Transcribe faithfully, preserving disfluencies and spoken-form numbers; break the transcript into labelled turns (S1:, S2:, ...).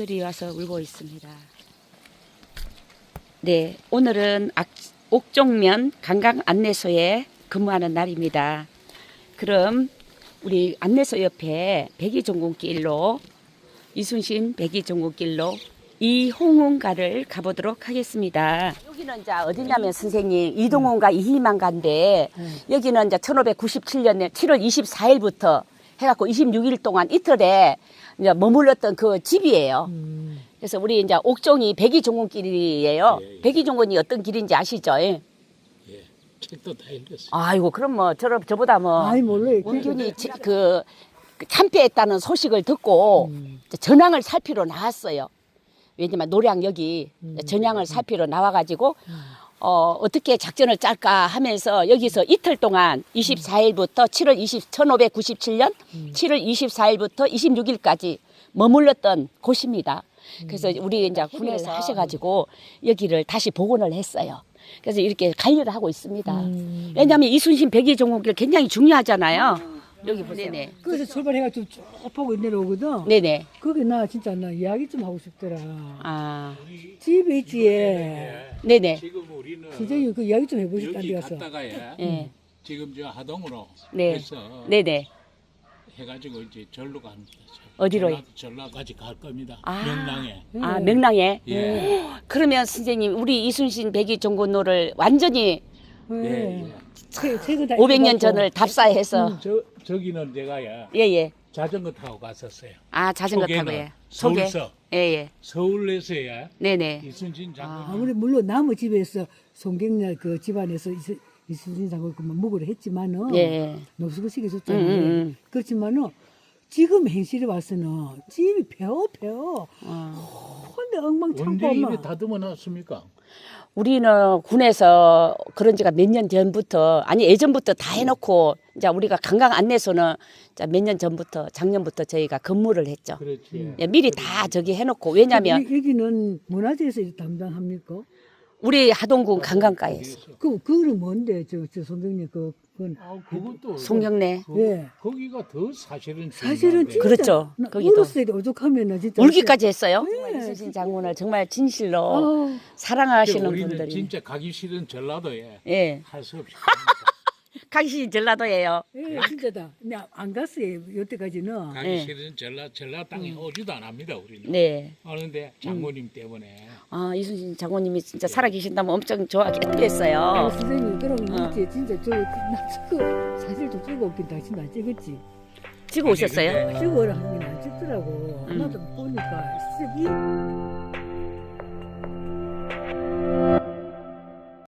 S1: 아이들이 와서 울고 있습니다. 네, 오늘은 악, 옥종면 관광안내소에 근무하는 날입니다. 그럼 우리 안내소 옆에 백이종군길로 이순신 백이종군길로 이홍훈가를 가보도록 하겠습니다. 여기는 이제 어디냐면 선생님 이동훈가 이희만가인데 여기는 이제 천오백구십칠 년 칠월 이십사일부터 해갖고 이십육 일 동안 이틀에 이제 머물렀던 그 집이에요. 그래서 우리 이제 옥종이 백이종군길이에요.
S2: 예, 예.
S1: 백이종군이 어떤 길인지 아시죠? 예.
S2: 예, 책도 다 읽었어요.
S1: 아이고 그럼 뭐 저, 저보다 뭐
S3: 아이 몰라요.
S1: 운균이 지- 그, 그 참패했다는 소식을 듣고
S3: 음.
S1: 전향을 살피러 나왔어요. 왜냐면 노량 여기 전향을 살피러 나와가지고 어, 어떻게 작전을 짤까 하면서 여기서 이틀 동안 이십사일부터 칠월 이십 천오백구십칠 년 칠월 이십사일부터 이십육 일까지 머물렀던 곳입니다. 그래서 우리 이제 군에서 하셔가지고 여기를 다시 복원을 했어요. 그래서 이렇게 관리를 하고 있습니다. 왜냐하면 이순신 백이종군길 굉장히 중요하잖아요. 여기 보세요. 네네.
S3: 그래서 출발해가지고 쭉 보고 내려오거든.
S1: 네네.
S3: 거기 나 진짜 나 이야기 좀 하고 싶더라.
S1: 아,
S3: 집에 있지. 예.
S1: 네네.
S2: 지금 우리는
S3: 진짜 그 이야기 좀 해보고 싶다.
S2: 여기
S3: 가서.
S2: 갔다가 예,
S1: 네.
S2: 지금 저 하동으로
S1: 네.
S2: 해서
S1: 네네.
S2: 해가지고 이제 절로 갑니다.
S1: 어디로요?
S2: 전라, 전라까지 갈 겁니다.
S1: 아.
S2: 명랑에.
S1: 아, 명랑에?
S2: 예.
S1: 그러면 선생님, 우리 이순신 백이종군로를 완전히
S3: 예.
S2: 예.
S3: 책- 책을 다
S1: 오백 년
S3: 읽어갖고.
S1: 전을 답사해서.
S2: 저 저기는 제가 예,
S1: 예, 예.
S2: 자전거 타고 갔었어요.
S1: 아, 자전거 타고,
S2: 소개는
S1: 예. 소개.
S2: 서울서
S1: 예, 예.
S2: 서울에서야
S1: 네네.
S2: 이순신 장군.
S3: 아무리 물론 남의 집에서 송경렬 그 집안에서 이수- 이순신 장군 그만 먹으려 했지만은
S1: 예.
S3: 노숙을 시켜줬잖아요.
S1: 음, 음, 음.
S3: 그렇지만은 지금 행실에 와서는 집이 배워 배워.
S1: 어.
S3: 근데 엉망창고
S2: 언제
S3: 엄마.
S2: 입에 다듬어 놨습니까?
S1: 우리는 군에서 그런 지가 몇 년 전부터, 아니, 예전부터 다 해놓고, 이제 우리가 관광 안내소는 몇 년 전부터, 작년부터 저희가 근무를 했죠.
S2: 그렇지.
S1: 예, 미리 다 저기 해놓고, 왜냐면
S3: 여기- 여기는 문화재에서 담당합니까?
S1: 우리 하동군 관광가에서.
S3: 그 그거는 뭔데 저 저 송경렬 그 그건
S2: 아, 그것도
S1: 송경래.
S2: 그,
S3: 예.
S2: 거기가 더 사실은
S3: 사실은
S2: 중요한데.
S3: 진짜
S1: 그렇죠.
S3: 나
S1: 거기도.
S3: 울었어요. 오죽하면은 진짜
S1: 울기까지 했어요.
S3: 네.
S1: 정말 이순신 장군을 정말 진실로
S3: 아,
S1: 사랑하시는
S2: 우리는
S1: 분들이.
S2: 진짜 가기 싫은 전라도에
S1: 예.
S2: 할 수 없이 갑니다.
S1: 가기 전라도예요.
S3: 예, 진짜다. 근데 안 갔어요. 여태까지는.
S2: 가기
S1: 네.
S2: 싫은 전라 전라 땅에 오지도 않합니다 우리는.
S1: 네.
S2: 그런데 장모님 때문에
S1: 아, 이순신 장군님이 진짜 살아계신다면 엄청 좋아했겠어요.
S3: 아, 선생님 그럼
S1: 어.
S3: 이제 진짜 저나 찍어 사실 좀 찍어 없긴 당신 안 찍었지.
S1: 지고 오셨어요?
S2: 아니, 근데
S3: 찍어라 하는 게 안 찍더라고.
S1: 음.
S3: 나도 보니까 진짜 이